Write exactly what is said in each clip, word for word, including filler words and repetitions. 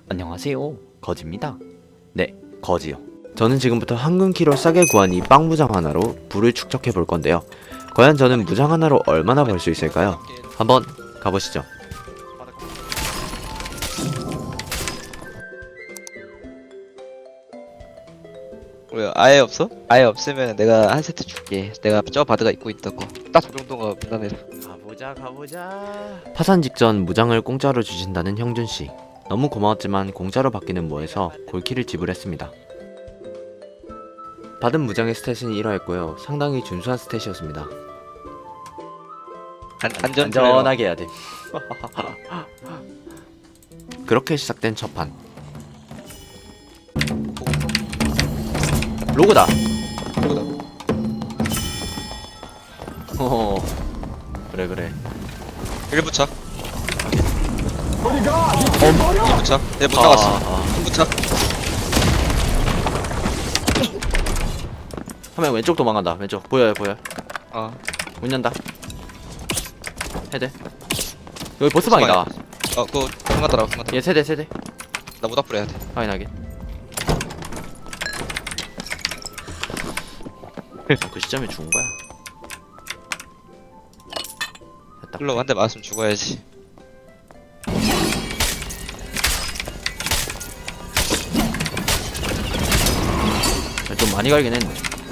안녕하세요, 거지입니다. 네, 거지요. 저는 지금부터 황금키로 싸게 구한 이 빵 무장 하나로 부를 축적해 볼 건데요. 과연 저는 무장 하나로 얼마나 벌 수 있을까요? 한번 가보시죠. 뭐야, 아예 없어? 아예 없으면 내가 한 세트 줄게. 내가 저 바드가 입고 있던 거. 딱 저 정도가 무난해서. 가보자 가보자. 파산 직전 무장을 공짜로 주신다는 형준씨, 너무 고마웠지만 공짜로 받기는 뭐해서 골키를 지불했습니다. 받은 무장의 스탯은 일화였고요, 상당히 준수한 스탯이었습니다. 안, 안전 안전하게 해야 돼. 그렇게 시작된 첫판. 로그다. 어, 그래 그래. 일 부착. 이 부착. 얘 못 나갔어. 삼 부착. 화면 왼쪽 도망간다. 왼쪽 보여요 보여. 어. 문 연다. 헤드. 여기 보스방이다. 어, 그거 그만더라. 그만. 얘 세대 세대. 나 모닥불 해야 돼. 확인하게. 그 시점에 죽은 거야. 됐다. 흘러 한 대 맞으면 죽어야지. 좀 많이 갈긴 했네.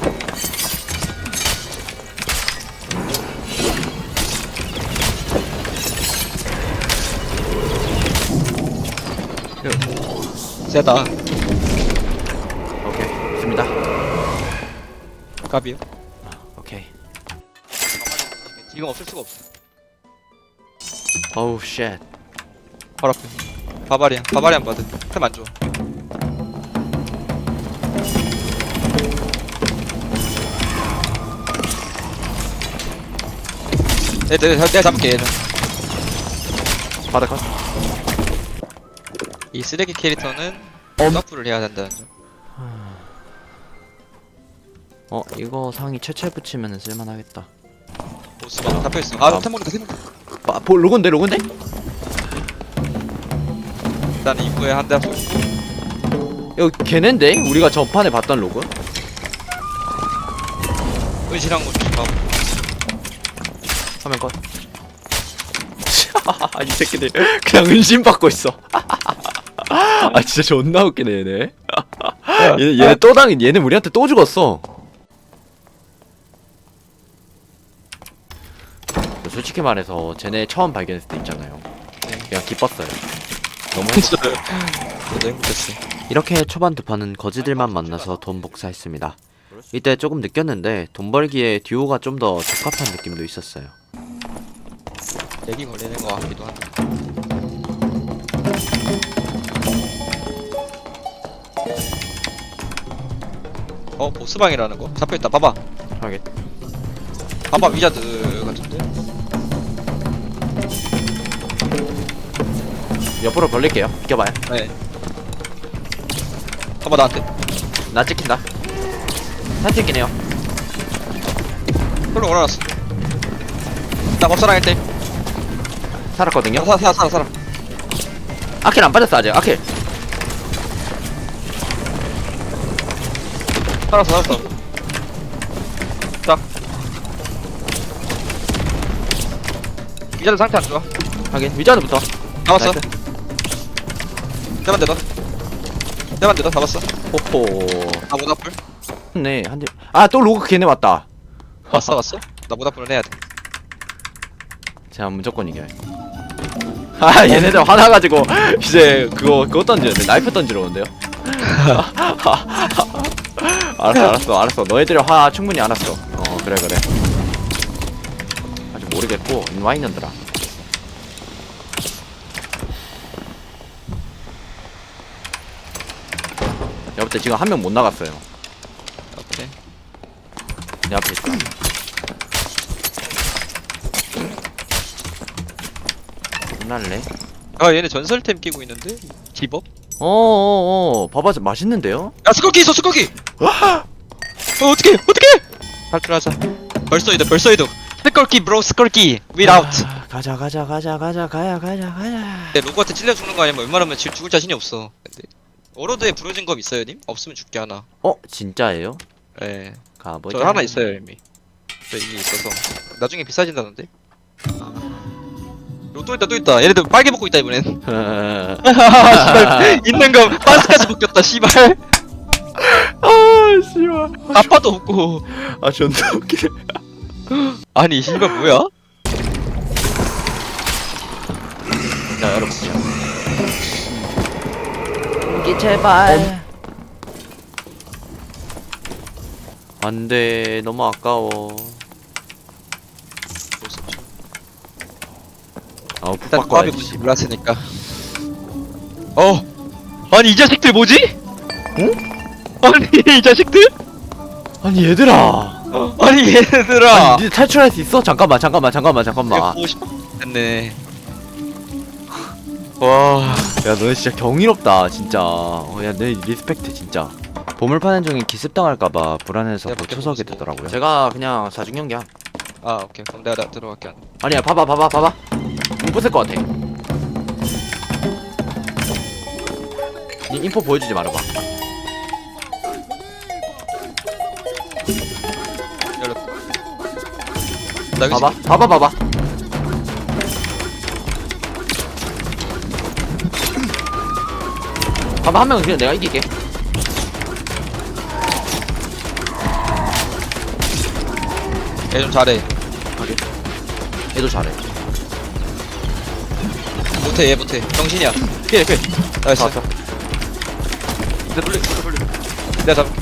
세다. 오케이 좋습니다. 갑이요? 오케이. 이건 없을 수가 없어. 어우 쉣. 바로 앞에. 바바리안. 바바리안 바드. 템 안 줘. 내, 내, 내가 잡을게 얘는. 바닥 컷. 이 쓰레기 캐릭터는 엄. 점프를 해야 된다는 점. 어 이거 상위 최채 붙이면 쓸만하겠다. 보스방 잡혀있어. 아, 아. 템 먹는다, 템 먹는다. 아, 보, 로건데 로건데? 일단 입구에 한 대 쏘고. 이거 걔넨데? 우리가 전판에 봤던 로그? 은신한 거 조심하고. 화면 컷. 이 새끼들 그냥 은신 받고 있어. 아 진짜 존나 웃기네 얘네. 얘네, 얘네 또 당인. 얘네 우리한테 또 죽었어. 솔직히 말해서 쟤네 처음 발견했을 때 있잖아요, 그냥 기뻤어요. 너무 행복했어요. 저도 행복했어. 이렇게 초반 두 판은 거지들만 만나서 돈 복사했습니다. 이때 조금 느꼈는데 돈 벌기에 듀오가 좀 더 적합한 느낌도 있었어요. 렉이 걸리는 거 같기도 한데. 어, 보스방이라는 거? 잡혀있다. 봐봐. 하게. 봐봐, 위자드 같은데? 옆으로 벌릴게요. 비켜봐요. 네. 봐봐, 나한테. 나 찍힌다. 다 찍히네요. 홀로 올라왔어. 나 법사랑 일 대. 살았거든요. 살아, 살아, 살아, 살아. 아킬 안 빠졌어 아직. 아킬. 살았어, 살았어. 딱. 위자드 상태 안 좋아. 하긴 위자드부터. 잡았어. 나이스. 대만 대다. 대만 대다. 잡았어. 호호. 나 모닥불. 네 한 대. 아 또 로그 걔네 왔다. 왔어, 왔어. 나 모닥불은 해야 돼. 제가 무조건 이겨요. 아 얘네들 화나가지고 이제 그거 그거 던지는데 나이프 던지러 온대요. 알았어 알았어 알았어. 너희들의 화 충분히 알았어. 어 그래 그래. 아직 모르겠고 인와 있는들아. 여보때 지금 한 명 못 나갔어요. 오케이. 내 앞에 있다. 끝날래? 아, 얘네 전설템 끼고 있는데? 디법? 어어어 봐봐 맛있는데요? 야, 스컬키 있어, 스컬키! 어, 어떡해, 어떡해! 탈출하자. 벌써 이득, 벌써 이득. 스컬키, 브로, 스컬키. without. 가자 가자 가자 가자 가야 가자 가자. 내 로그한테 찔려 죽는 거 아니면 웬만하면 질 죽을 자신이 없어. 근데 워로드에 부러진 검 있어요, 님? 없으면 죽게 하나. 어 진짜예요? 예. 가보자. 저 하나 있어요, 이미. 저 이미 있어서. 나중에 비싸진다는데? 요, 또 있다, 또 있다. 얘네들 빨개 먹고 있다, 이번엔. 씨발. 있는 거 반스까지 벗겼다, 씨발. 아 씨발. 아빠도 없고. 아 존나 웃기네. 아니, 씨발, 뭐야? 자 열어보자. 공기 제발. 안돼 너무 아까워. 아 일단 푹 조합이 바꿔야지. 뭔지 몰랐으니까. 어. 아니, 이 자식들 뭐지? 응? 아니, 이 자식들? 아니 얘들아. 아니, 얘들아. 아니 니 탈출할 수 있어? 잠깐만 잠깐만 잠깐만 내가 잠깐만. 보고 싶었네. 와. 야 너 진짜 경이롭다 진짜. 어, 야내 리스펙트 진짜. 보물 파는 중에 기습당할까봐 불안해서 내가 초석이 밖에 되더라고요. 제가 그냥 사중경기야. 아, 오케이. 그럼 내가 나 들어갈게. 아니야 봐봐 봐봐 봐봐. 못 부술 것 같아. 니 인포 보여주지 말아봐. 열렸다. 나 여기 봐봐 봐봐 봐봐. 봐봐 한 명은 그냥 내가 이길게. 얘 좀 잘해. 얘도 잘해. 못해, 얘 못해. 정신이야. 피해 피해. 나이스. 잡았어. 내 돌려, 돌려, 돌려. 내가 잡.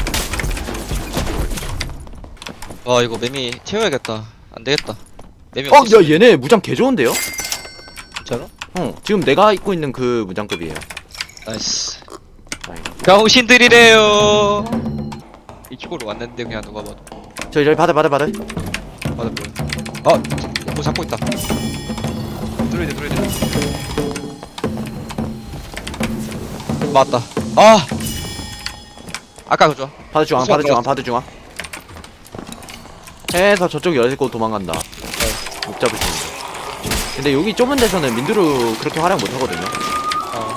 와, 이거 매미 채워야겠다. 안 되겠다. 매미 어, 없어. 야 얘네 무장 개 좋은데요? 진짜로? 어, 지금 내가 입고 있는 그 무장급이에요. 나이스. 다행이다. 병신들이래요. 이쪽으로 왔는데 그냥 누가 봐도. 저기 저기 받아 받아 받아. 맞아 보여. 아, 뭐 잡고 있다. 뚫어야 돼, 뚫어야 돼. 맞다. 아, 아까 그죠? 바드 중앙 수학 바드 중앙 들어갔어. 바드 중앙. 해서 저쪽 열고 도망간다. 못 잡을 수 있는. 근데 여기 좁은 데서는 민두루 그렇게 활약 못 하거든요. 어.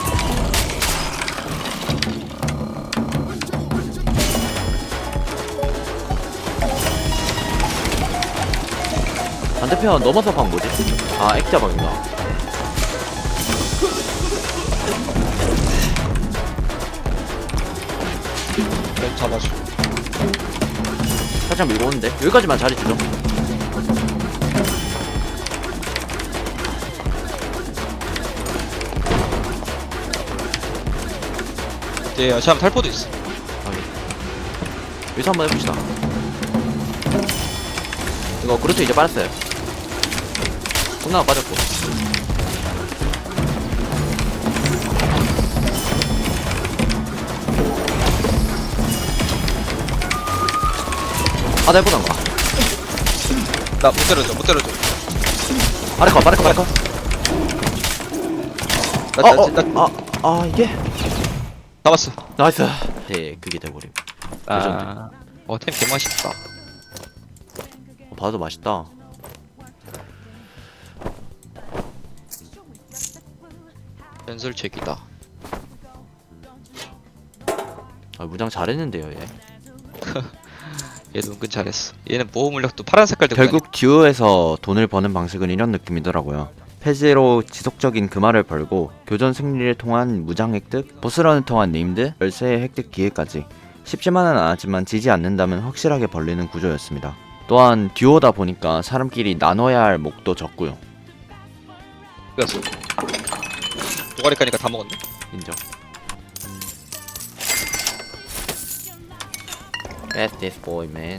반대편 넘어서 방 뭐지? 아 액자 방인가? 좀 잡아줘. 살짝 밀고 오는데 여기까지만 자리 주죠. 예, 참 탈포도 있어. 아니. 여기서 한번 해봅시다. 이거 그렇죠 이제 빠졌어요. 콩나가 빠졌고. 아, 나 해보던가. 나 못 때려줘, 못 때려줘. 아래 거, 아래 거, 아래 거. 나, 어, 나, 어, 나, 아, 아, 이게? 잡았어. 나이스. 네, 그게 돼버림. 레전드. 아, 어, 템 개맛있다. 어, 봐도 맛있다. 연설책이다. 아, 무장 잘했는데요, 얘. 얘도 은근 잘했어. 얘는 보호 물약도 파란 색깔 들고 결국 듀오에서 돈을 버는 방식은 이런 느낌이더라고요. 폐지로 지속적인 금화를 벌고 교전 승리를 통한 무장 획득, 보스런을 통한 네임드, 열쇠의 획득 기회까지 쉽지만은 않았지만 지지 않는다면 확실하게 벌리는 구조였습니다. 또한 듀오다 보니까 사람끼리 나눠야 할 몫도 적고요. 다녔어. 도가리 까니까 다 먹었네. 인정. That's this boy, man.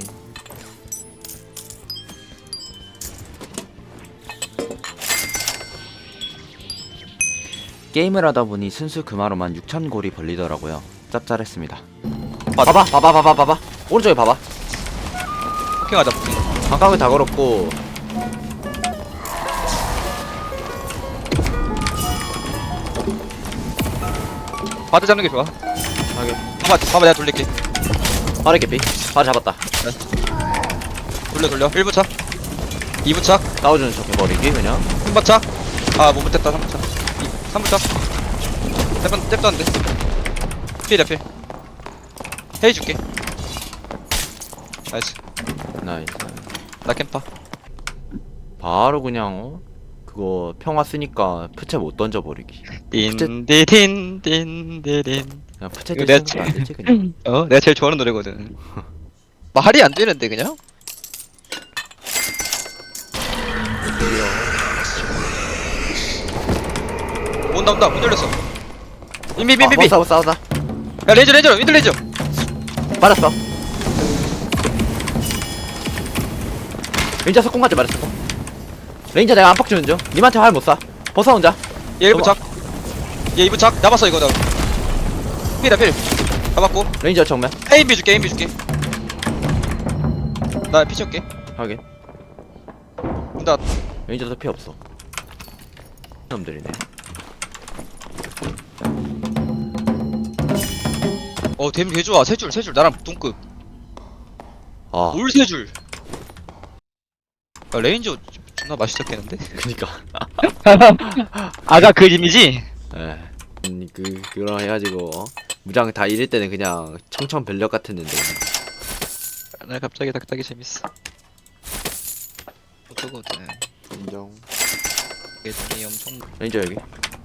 게임을 하다 보니 순수 금화로만 육천 골이 벌리더라고요. 짭짤했습니다. 봐봐, 봐봐, 봐봐, 봐봐. 오른쪽에 봐봐. 포킹하자, 포킹. 반각을 다 걸었고. 바드 잡는 게 좋아. 하게. 봐봐, 봐봐, 내가 돌릴게. 빠르게 피. 바로 잡았다. 돌려, 돌려. 일 분 차. 이 분 차. 싸워주는 척 해버리기 그냥. 삼 번 차. 아, 못 붙였다, 삼 번 차. 삼 번 차. 잽번, 잽도 안 돼. 필이야, 필. 헤이 줄게. 나이스. 나이스. 나 캠파. 바로 그냥 어? 그거 평화 쓰니까 푸채 못 던져버리기. 딘디딘, 딘디딘. 그냥 푸채 이거 들 내가 생각 안 되지 그냥. 어, 내가 제일 좋아하는 노래거든. 말이 안 되는데, 그냥? 온다, 온다, 문 열렸어. 빈비, 빈비, 빈비. 싸워 싸워 싸워. 야, 레이저, 레이저, 윈드 레이저. 맞았어. 레인저 석공 맞지 말았어. 레인저 내가 안팎 주는 중. 님한테 활 못 쏴. 벗어 혼자. 얘 일 분 착. 얘 이 분 착. 잡았어, 이거 나. 필이다, 필. 잡았고. 레인저 정면. 에임비 줄게, 에임비 줄게. 나 피 칠게. 확인. 나 레인저도 피 없어. 놈들이네. 어, 댐 개 좋아. 세 줄, 세 줄. 나랑 동급. 아. 올 세 줄. 야, 레인저 존나 맛있었겠는데? 그니까. 아가 그 이미지? 예. 음, 그 그런 해가지고 어? 무장 다 잃을 때는 그냥 청천벽력 같았는데. 나 갑자기 닥닥이 재밌어. 어쩌거든. 인정. 예전이 엄청. 레인저 여기.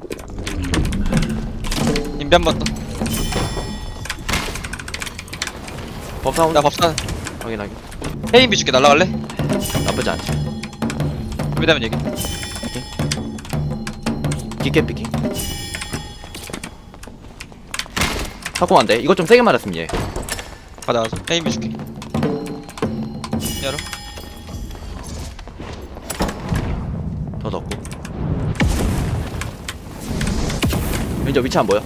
인비 한 번 더. 법사 혼자. 나 법사. 확인하기. 헤인비 줄게. 날라갈래? 나쁘지 않지. 준비되면 얘기. 깊게 피킹. 사고 안 돼. 이거 좀 세게 말했으면 얘. 가자, 가자. 헤인비 줄게. 열어. 더 넣고. 레인저 위치 안 보여?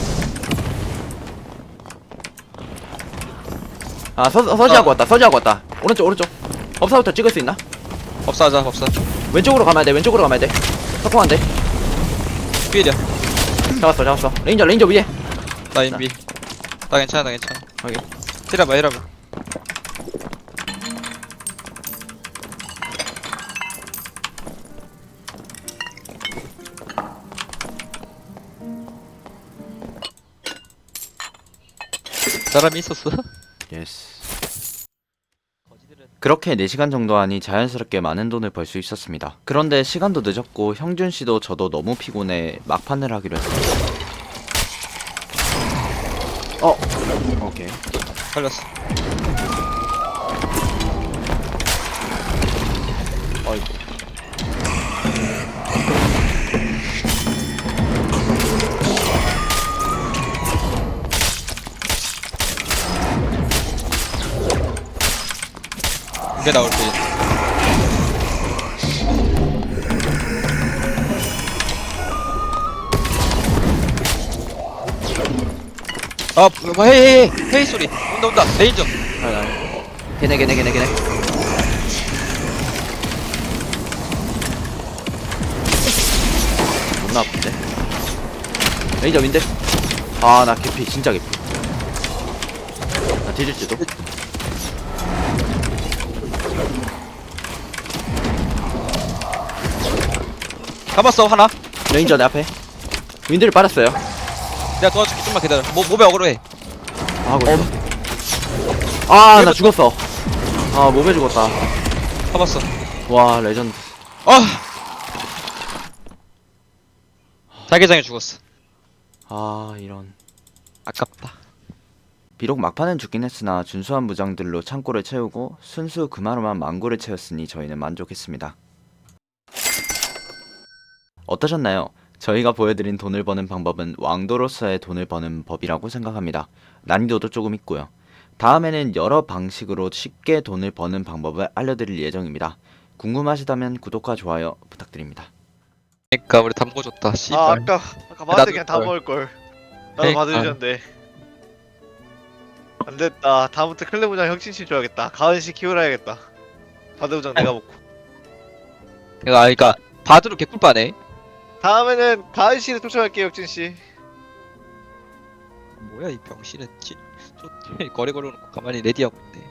아 서, 서지하고 어. 왔다. 서지하고 왔다. 오른쪽 오른쪽. 법사부터 찍을 수 있나? 법사하자, 법사. 왼쪽으로 가면 돼. 왼쪽으로 가면 돼. 석공 안 돼. 필이야. 잡았어 잡았어. 레인저 레인저 위에. 나 인비. 나 괜찮아, 나 괜찮아. 확인. 힐해봐, 힐해봐. 사람이 있었어? 예스. 그렇게 네 시간 정도 하니 자연스럽게 많은 돈을 벌 수 있었습니다. 그런데 시간도 늦었고 형준 씨도 저도 너무 피곤해 막판을 하기로 했습니다. 어. 오케이. 살렸어. 어이구. 이게 나올 때. 아, 뭐 헤이 헤이 헤이 소리. 온다 온다. 레인저. 아니 아니. 걔네 걔네 걔네 걔네. 존나 아픈데. 레이저 윈데. 아 나 개피 진짜 개피. 나 뒤질지도. 잡았어 하나. 레인저 내 앞에. 윈드를 빨았어요. 내가 도와줄게. 좀만 기다려. 뭐 모배 어그로해. 하고 있어. 아 나 죽었어. 아 몸에 죽었다. 잡았어. 와 레전드. 아. 자기장에 죽었어. 아 이런. 아깝다. 비록 막판은 죽긴 했으나 준수한 무장들로 창고를 채우고 순수 금화로만 망고를 채웠으니 저희는 만족했습니다. 어떠셨나요? 저희가 보여드린 돈을 버는 방법은 왕도로서의 돈을 버는 법이라고 생각합니다. 난이도도 조금 있고요. 다음에는 여러 방식으로 쉽게 돈을 버는 방법을 알려드릴 예정입니다. 궁금하시다면 구독과 좋아요 부탁드립니다. 그니까 우리 담고 줬다. 씨발. 아 아까 아까 나도 마한테 그냥 다 걸. 먹을 걸. 나도 그러니까. 받아주셨는데 안 됐다. 다음부터 클레부장 혁신씨 줘야겠다. 가은씨 키우라야겠다. 바드부장 내가 먹고. 그니까 그니까 바드로 개꿀빠네. 다음에는 가은씨를 쫓아갈게요, 혁신씨. 뭐야 이 병신은 지, 저 거리 걸어놓고 가만히 레디하고 있네.